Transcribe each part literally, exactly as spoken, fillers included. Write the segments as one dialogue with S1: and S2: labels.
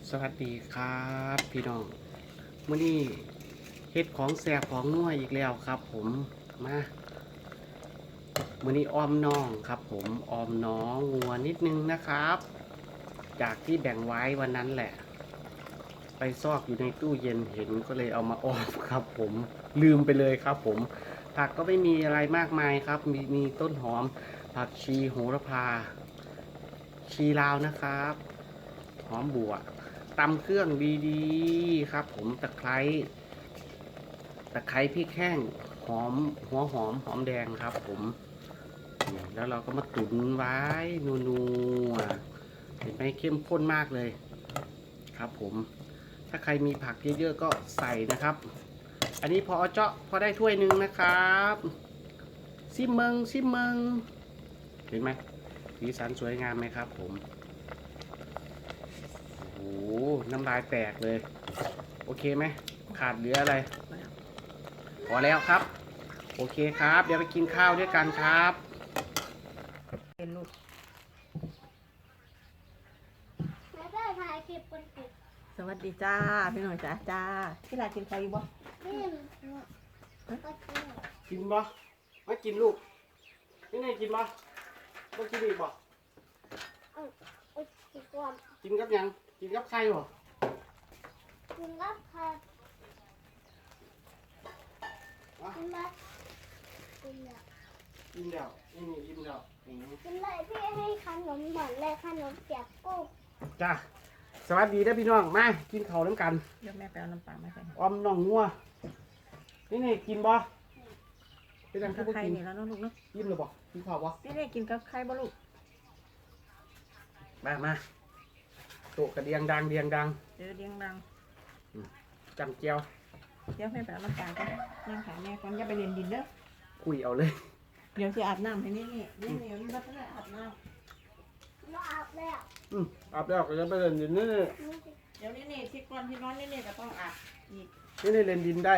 S1: สวัสดีครับพี่น้องมื้อนี้เฮ็ดของแสบของนัวอีกแล้วครับผมมามื้อนี้อ้อมน้องครับผมอ้อมน้องงัวนิดนึงนะครับ จากที่แบ่งไว้วันนั้นแหละ ไปซอกอยู่ในตู้เย็นเห็นก็เลยเอามาอ้อมครับผมลืมไปเลยครับผมผักก็ไม่มีอะไรมากมายครับ มีมีต้นหอมผักชีโหระพาชีลาวนะครับหอมบัวตำเครื่องดีๆครับผมตะไคร้ตะไคร้พริกแห้งหอมหัวหอมหอมแดงครับผมแล้วเราก็มาตุ๋นไว้นัวๆเห็นไหมเข้มข้นมากเลยครับผมถ้าใครมีผักเยอะๆก็ใส่นะครับอันนี้พอเจาะพอได้ถ้วยหนึ่งนะครับซิมเมิงซิมเมิงเห็นไหมสีสันสวยงามไหมครับผมโอ้โหน้ำลายแตกเลยโอเคไหมขาดเหลืออะไรพอแล้วครับโอเคครับเดี๋ยวไปกินข้าวด้วยกันครับ
S2: เป็นลูก
S3: แล้วก็ถ่ายคลิปคนติด
S2: สวัสดีจ้าพี่หน่อยจ้าจ้าที่ร้านกินข้าวอยู่บ่
S3: นี่ก็กิน
S1: กินบ่ไม่กินลูกนี่ไงกินบ่ไม่กินอีกบ่
S3: อืมอุดกินก่อน
S1: กินกับยังกินกับไข่บ่
S3: กินกับใครกินแบบกินแบบ
S1: กินแล้วนี่นี่กินแล้วอืม
S3: กินเลยพี่ให้ขนมหวานเลยขนมเปียกกุ้ง
S1: จ้าสวัสดีนะพี่น้องมากินข้าวน้ำกัน
S2: เดี๋ยวแม่ไปเอาน้ำปลามาใส่
S1: ออมน้องงัวนี่นี่กินบ่เป็นยัง
S2: กั
S1: คือบ บ่
S2: ไข่
S1: กิน
S2: นี่แล้วเนาะลูกเนาะ
S1: กินหรือบ่กินข้าวบ่
S2: นี่นี่กินกับไข่บ่ลูก
S1: มามาโตกระเดียงดังเดียงดัง
S2: เดี๋ยวเลี้ยงดัง
S1: จำเจียว
S2: เดี๋ยวแม่ไปเอาน้ำปลาก่อนนั่งขายแม่ก่อนอย่าไปเรียนดินเด้อ
S1: คุยเอาเลย
S2: เดี๋ยวจะอาบน้ำให้นี่นี่นี่นี่มันก็ได้อาบน้
S3: เราอาบแล้ว
S1: อืมอาบแล้วก็จะไปเล่นดินนี่นี่
S2: ำเดี๋ยวนี่นี่ที่ก่อนที่นอนนี่นี่ก็ต้องอาบอีก
S1: นี่นี่เล่นดินได้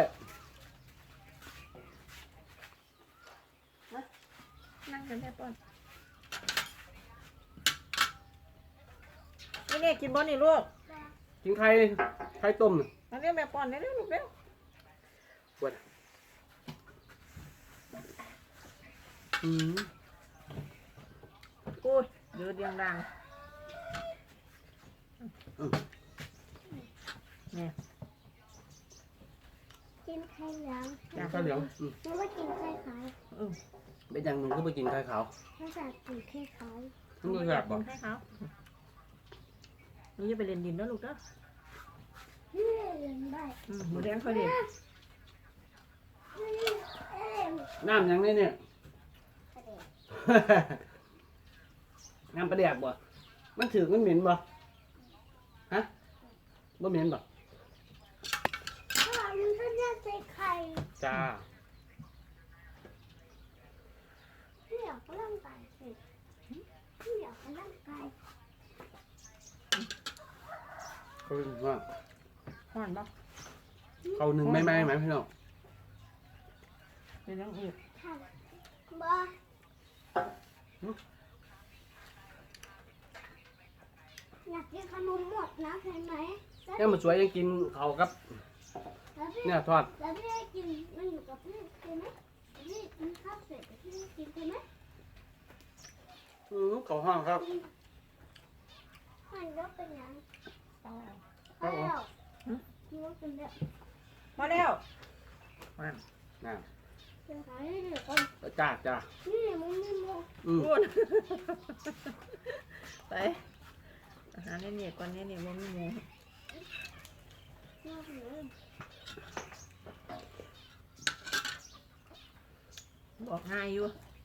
S2: นั่งกันแม่ป้อนนี่นี่กินบ่นี่ลูก
S1: กินไข่ไข่ต้มน่ะ
S2: มาเรียกแม่ป้อนเร็วๆลูกเร็ว
S1: ปวดอืม
S2: อุ้ยเดี๋ยวเลี้ยงดังนี่
S3: กินไข่เหลือง
S1: กินข้าวเหลืองอืม
S3: หรือว่ากินไข่ขาว
S2: อืม
S1: เป็นยังหนึ่งก็ไปกินไข่ขาว
S3: ถ้าจะกินไข่ขาว
S1: มันก็แสบบ่
S2: ให้เขานี่จะไปเรียนดินแล้วลูกเด้อ
S3: เฮ้ยเรียนได้
S2: อืมหมูแดงค่อยเรียน
S3: เฮ้ยเอ้ย
S1: น้ำยังนี่เนี่ย
S3: กระเด็น
S1: น้ำประเดียบบ่มันถือมันเหม็นบ่ฮะบ่เหม็นบ่
S3: ถ้ามันก็น่าใส่ไข่
S1: จ้า
S3: พี่อยากก็ร่างกายสิพี่อยากก็ร่างกาย
S1: เขาเป็นว่า
S2: ห่อนปะ
S1: เขาหนึ่งไม่ไหมไหมพี่น้อง
S2: เป็นยังอีก
S3: ค่ะบ้าอยากกินขนมหมดนะเห็นไหม
S1: เนี่ยมันสวยยังกินเขาวกับ
S3: แล้วพี่
S1: เนี่ยทอด
S3: แล้วพี่ได้กินมันอยู่กับพี่ใช่ไหมพี่กินข้าวเสร็จพี่ได้กินใช่ไหม
S1: อืมเขาห้องครับ
S3: มันก็เป็นอย่าง
S2: ต้องเอา
S1: ครับผม
S3: แล้วมันก็เป็นแบบ
S2: มาแล้วมา
S1: น่ะ
S3: เป็นขายให้เด็กคน
S1: จ้าจ้า
S3: นี่มันไม่หมด
S1: อืม
S2: พูดไปอาหารเนี่ยเนี่ยก่อนเนี่ยเนี่ยว่ามีหมู
S3: มากเลย
S2: บอกง่ายอยู่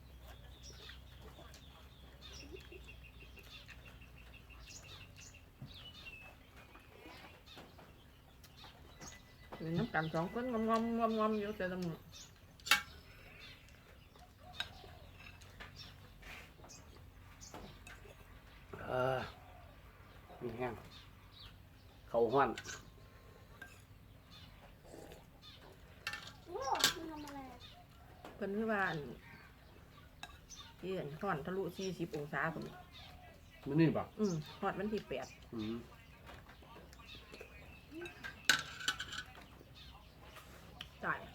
S2: อยู่น้ำกันสองคนงอมงอมงอมงอมอยู่แต่ละมือ
S1: เออมีแห้งเขาห้อน
S3: โอ้มันทำอะไร
S2: เพิ่นคือว่าอันที่อันห่อนทะลุสี่สิบองศาผม
S1: มันนี่บ่
S2: อืมฮอดวันที่แปด
S1: อืม
S2: ตาย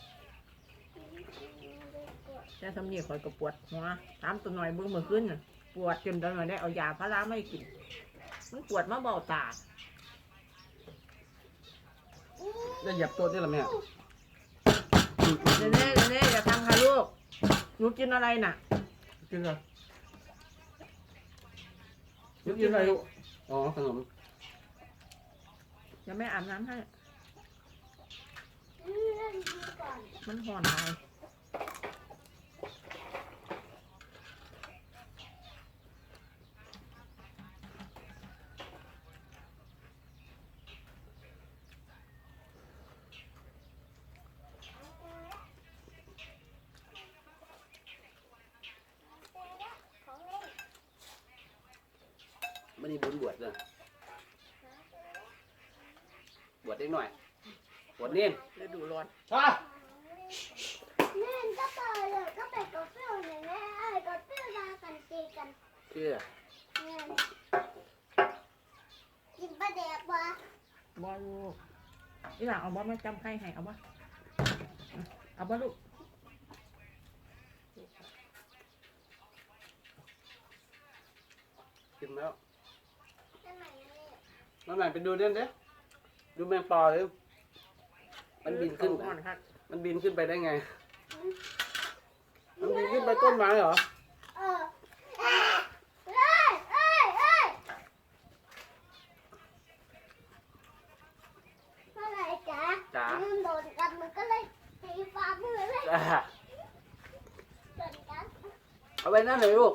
S2: แต่สำเนียงคอยก็ปวดหัวถามตัวหน่อยเบิ่งเมื่อคืนน่ะปวดจนตัวหน่อยได้เอายาพาราไม่กินมันปวดมาเบาตา
S1: จะเหยียบตัวได้หรอแม่
S2: เนเน่เนเน่อย่าทำค่ะลูกหนูกินอะไรน่ะ
S1: กินอะไรยุกินอะไรลูกอ๋อขนม
S2: เดี๋ยวแม่อาบน้ำให้
S3: เล่นดีก่อน
S2: มันห่อนไป
S3: ของเล่น
S1: ไม่ได้บุญบวชเลยบวชได้หน่อยบวชเน้น
S2: ฤดูร้อน
S1: ช่า
S3: เล่นก็เปิดเลยก็ไปกับเพื่อนเลยแม่ไอ้กับเพื่อนมากันตีกัน
S1: เชื่อ
S3: เล่นกินปลาแดกวะ
S2: บอลูกนี่หลังเอาบอมาจำใครให้เอาบอเอาบอลูก
S1: กินแล้ว
S3: ได้ไหมเนี่ย
S1: น้องไหนไปดูเด่นเด้ดูแมงปอเลยมันบินขึ้น
S2: ห่อนครับ
S1: มันบินขึ้นไปได้ไง มันบินขึ้นไปต้นไม้เหรอ
S3: เออเอ้ยเอ้ยเอ้ยเอ้ยเมื่อไหร่จ๊ะ
S1: จ๋า
S3: มันโดนกันมันก็เลยตีฟ้ามือเลย
S1: จ้า
S3: โดนกัน
S1: เอาไปนั่นเลยลูก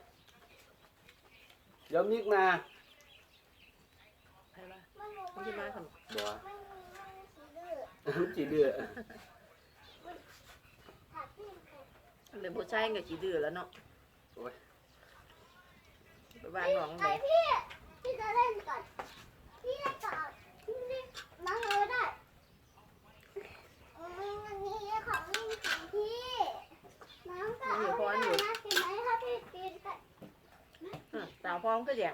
S1: เดี๋ยวมิกมา
S2: ใครวะ
S3: มันบอก
S2: มัน
S3: ว่า
S2: จะมาทำ
S1: บัว
S3: มันมันสีดื้อ
S1: จีเดือ
S3: ถักที่มัน
S2: เลยผู้ชายกับจีดื้อแล้วเนาะ
S1: โอ้ย
S2: ไปบ้านน้อง
S3: ไอ
S2: เลย
S3: พี่พี่จะเล่นก่อนพี่จะต่อพี่นี่มาเลยได้อืมอันนี้ของเล่นของพี่น้องก็เอาไปได้นะกินไหมถ้าพี่กินกัน
S2: อืมสาวพร้อมก็แย่ง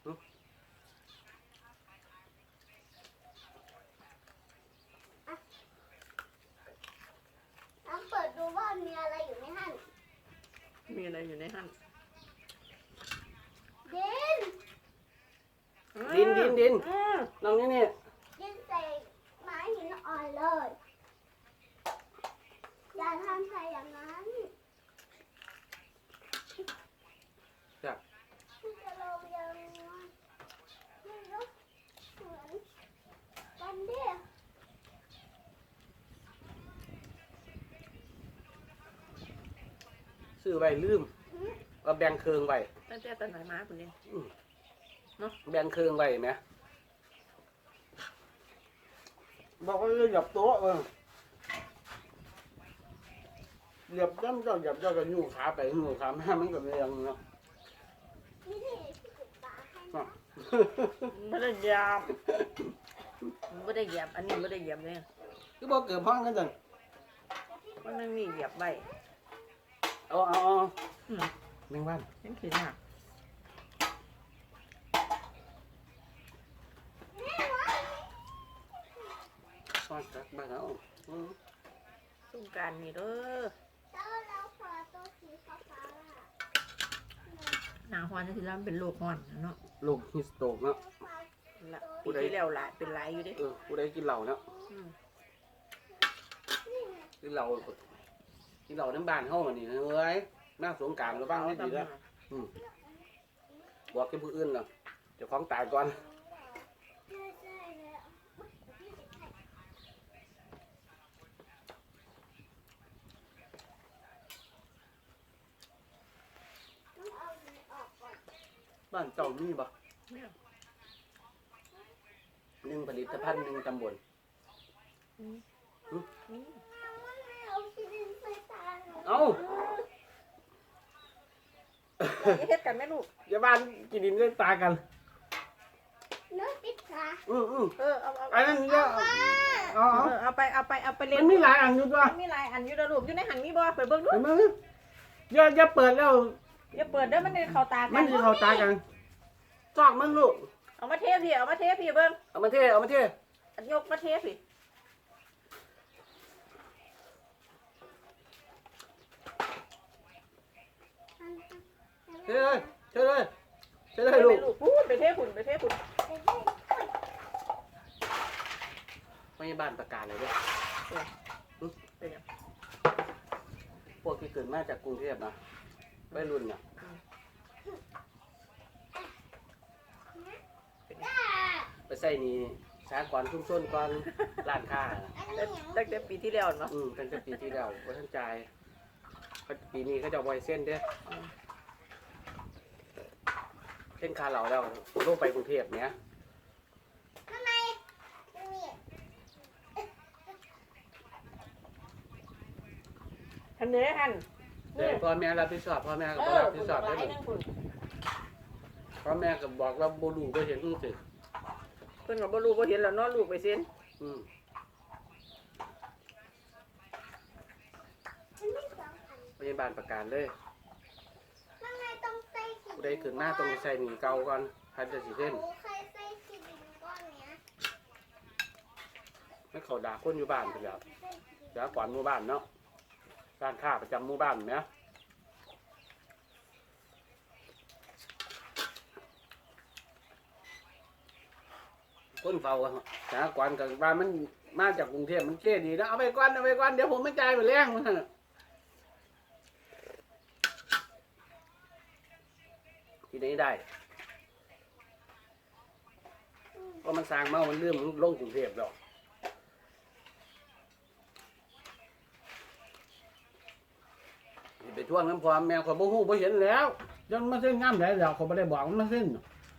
S3: น้องเปิดดูว่ามีอะไรอยู่ในหั่น
S2: มีอะไรอยู่ในหั่น
S3: ดิน
S1: ดินดินดิน
S2: อืม
S1: น้องนี่นี่
S3: ดินใส่ไม้หินอ่อนเลยอย่าทำใส่อย่างนั้น
S1: จ้ะ
S3: พี่จะลงยังไงไม่รู้เหมือนกันดิ
S1: ซื้อไว้ลืมเอาแบ่งเครื่องไว้
S2: ตั้งแต่ตอนไหนมาคนนี้
S1: แบ่งเครื่องไว้ไหมบอกว่าเหยียบโต๊ะเออเหยียบย่ำเจ้าเหยียบเจ้าก็ยู่ขาไปยู่ขามามันก็เรียงเนาะ
S3: นี่ที่พี่จุดตาให้
S1: อ่ะ
S2: ไม่ได้เหยียบไม่ได้เหยียบอันนี้ไม่ได้เหยียบเลย
S1: คือบอกเกิดพ้องกันจัง
S2: มันไม่มีเหยียบใบ
S1: เอาเอาเอา
S2: อืม
S1: แมงวัน
S2: เห็นขีดหัก
S1: ฟาดกัดบ้านเอาอืม
S2: สงกรารนี่เด้อ
S3: แล้วเราขอตัวสีฟ้าๆอ่ะ
S2: หนาฮอนที่แล้วมันเป็นโรคฮอนเนาะ
S1: ลูกฮิสโตกเนาะ
S2: ละปีที่แล้วหลายเป็นหลายอยู่เดิ
S1: เออผู้ใดกินเหล้าเนาะ กินเหล้ากินเหล้าน้ำบานเฮามานี่เฮ้ยหน้าสงกรารก็บ้างไม่ดีแล้วบอกกับผู้อื่นเนาะเจ้าของตายก่อน
S3: ใช่ใช่เลยอ่ะต้องเอาอันนี้ออกก่อน
S1: บ้านเจ้ามีบ่
S2: เนี่ย
S1: หนึ่งผลิตภัณฑ์หนึ่งตำบล
S2: อืม
S3: น้องไม่เอาชิ้นไปตาหนู
S1: เอ้า
S2: อย่าเฮ็ดกันแม่ลูก
S1: อย่าบ้านกินดินด้วยตากัน
S3: นึกติดขา
S1: อืออือ
S2: เออเอาเอา
S1: อันนั้นเยอะเอา
S2: เอ
S1: เอา
S2: อเอาไปเอาไปเอาไปเล่
S1: มัน นมีหลายอันอยู่ด้วย
S2: มันมีหลายอันอยู่นะลูกอยู่ในหันมีบ่ไปเบิ่งดู
S1: เห็นไหมอย่าอย่าเปิดแล้ว
S2: อย่าเปิดเด้อมันจะเข้าตากั
S1: มันจะเข้าตากันซอกมึงลูก
S2: เอามาเทพี่เอามาเทพี่เบิ่ง
S1: เอามาเทเอามาเท
S2: ยกมาเทพี่
S1: เฮ้ยเฮ้ยเลยเฮ้ยเล
S2: ไป
S1: ยลูก
S2: ลูกพูดไปเทฝุ่นไปเทฝุ่น
S1: ไม่ใช่บ้านประกาศเลยด้วย
S2: เป็นยัง
S1: พวกที่เกิดมาจากกรุงเทพนะวัยรุ่นน่ะไปใส่นี่สากรณ์ชุ่มชนก่อนร้านค้าน่ะ
S2: ตั้งแต่ปีที่แล้วเนาะ
S1: อืมตั้งแต่ปีที่แล้วว่าท่านจ่ายปีนี้เขาจะเอาไว้เส้นเด้อเส้นคาเหลาแล้วลงไปกรุงเทพเนี้ย
S3: ทำไมนี่
S2: ทันเนื้อหัน
S1: เดี๋ยวพ่อแม่รับผิดชอบพ่อแม่ก็
S2: เอ
S1: บ่
S2: อ
S1: รับ
S2: คุ
S1: ผิ
S2: ณ
S1: ดชอบ
S2: ไว้
S1: ได้หม
S2: นั่
S1: ด
S2: งคุณ
S1: พ่อแม่ก็บอกว่าบ่รู้บ่เห็นรู้สึก
S2: เพิ่นก็บ่รู้บ่เห็นแล้วเนาะลูกไปเซ็น
S1: อืม
S3: มันไม่สองอัน
S1: พยาบาลประกาศเลย
S3: ทำไมต้องใส่สี
S1: ผู้ใดขึ้นหน้าต้องใส่หนีเก่าก่อนพันจะสิเส้น
S3: หนูเคยใส่สีดินก้อนเนี้ย
S1: ไม่เขาด่าคนอยู่บ้านไปแล้วเดี๋ยวก่อนหมู่บ้านเนาะร้านค้าประจำหมู่บ้านเนี่ยคนเฝ้าอะสากรณ์กับบ้านมันมาจากกรุงเทพมันเจ๊ดีนะเอาไปก่อนเอาไปก่อนเดี๋ยวผมไม่จ่ายไปแรงมันน่ะที่ไหนได้เพราะมันสร้างมามันเลื่อมลงกรุงเทพแล้วนี่ไปท่วงน้ำพรแมวขอยบ่ฮู้บ่เห็นแล้วยังมาเส้นงามไหนแล้วเขาไม่ได้บอกมันมาเส้น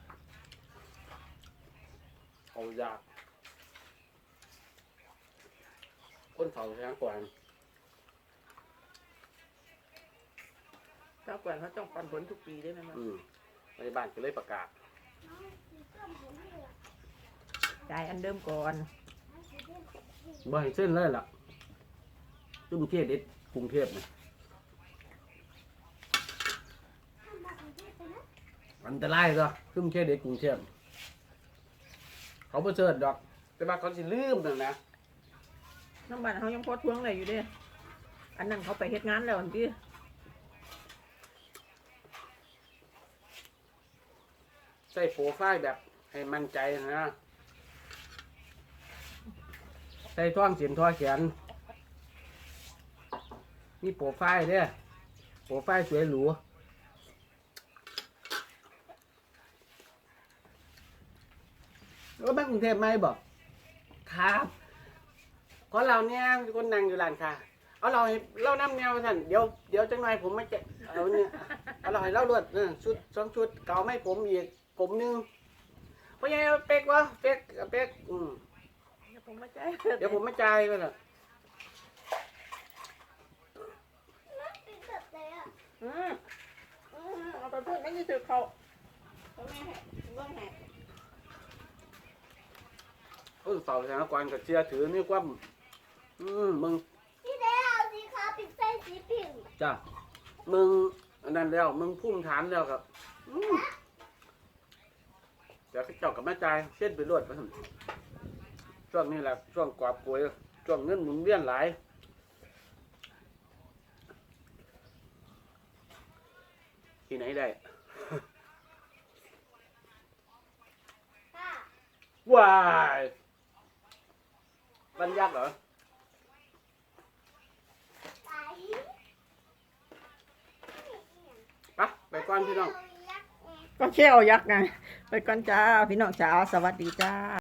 S1: เอายากคนเฝ้าแทงก่อน
S2: เจ้าก่อนเขาต้องปันผลทุกปีได้ไหมมัน
S1: อืมในบ้านก็เลยประกาศ
S2: จ่ายอันเดิมก่อน
S1: บ่ให้เส้นเลยล่ะกรุงเทพเด็ดกรุงเทพเนี่ยอันตรายก็กรุงเทพเด็ดกรุงเทพเขาบ่เชิดดอก แต่ว่าเขาสิลืมนั่นนะ
S2: น้ำบ้านเขายังพอทวงเลยอยู่เด้อันนั้นเขาไปเฮ็ดงานแล้วอันที่
S1: ใส่โปรไฟล์แบบให้มั่นใจนะใส่ท่องเสียนท่อแขนมีโปรไฟล์เด้อโปรไฟล์สวยหรูแล้วมากรุงเทพไหมบอกครับขอเราเนี่ยคนนั่งอยู่ร้านค่ะเอาเราให้เราน้ำแนวท่านเดี๋ยวเดี๋ยวจังหน่อยผมไม่จะเอาเนี่ยเอาเราให้เราลวดเออชุดสองชุดเก่าไม่ผมอีกผมหนึงเพราะยังเป๊กวะเป๊กเป๊กอืม
S2: เดี๋ยวผมมาจ่าย
S1: เดี๋ยวผมไม่จ่ายก็ละ
S3: เป็นแบบไหนอ่ะ
S2: อืมอืมเอาไปพูดไม่ได้ถือเขาเขาแม่ให้เบื้องแหก
S1: คนเฝ้าสถานการณ์กับเชียร์ถือนี่ความอืมมึง
S3: พี่เด้เอาสีขาวปิดใส่สีผิว
S1: จ้ะมึงอันนั้นแล้วมึงพุ่มฐานแล้วครับอืมเดี๋ยวเขาเจาะกับแม่จ่ายเส้นไปรวดไปหั่นช่วงนี้แหละช่วงกวาดป่วยช่วงเงินหมุนเวียนหลายที่ไหนได้
S3: ค่ะ
S1: ว้ายบรรยักษ์เหรอ
S3: ไป
S1: ไปไปก่อนพี่น้อง
S3: เอายักษ์ไง
S2: ก็แค่เอายักษ์ไงไปก่อนจ้าพี่น้องจ้าสวัสดีจ้า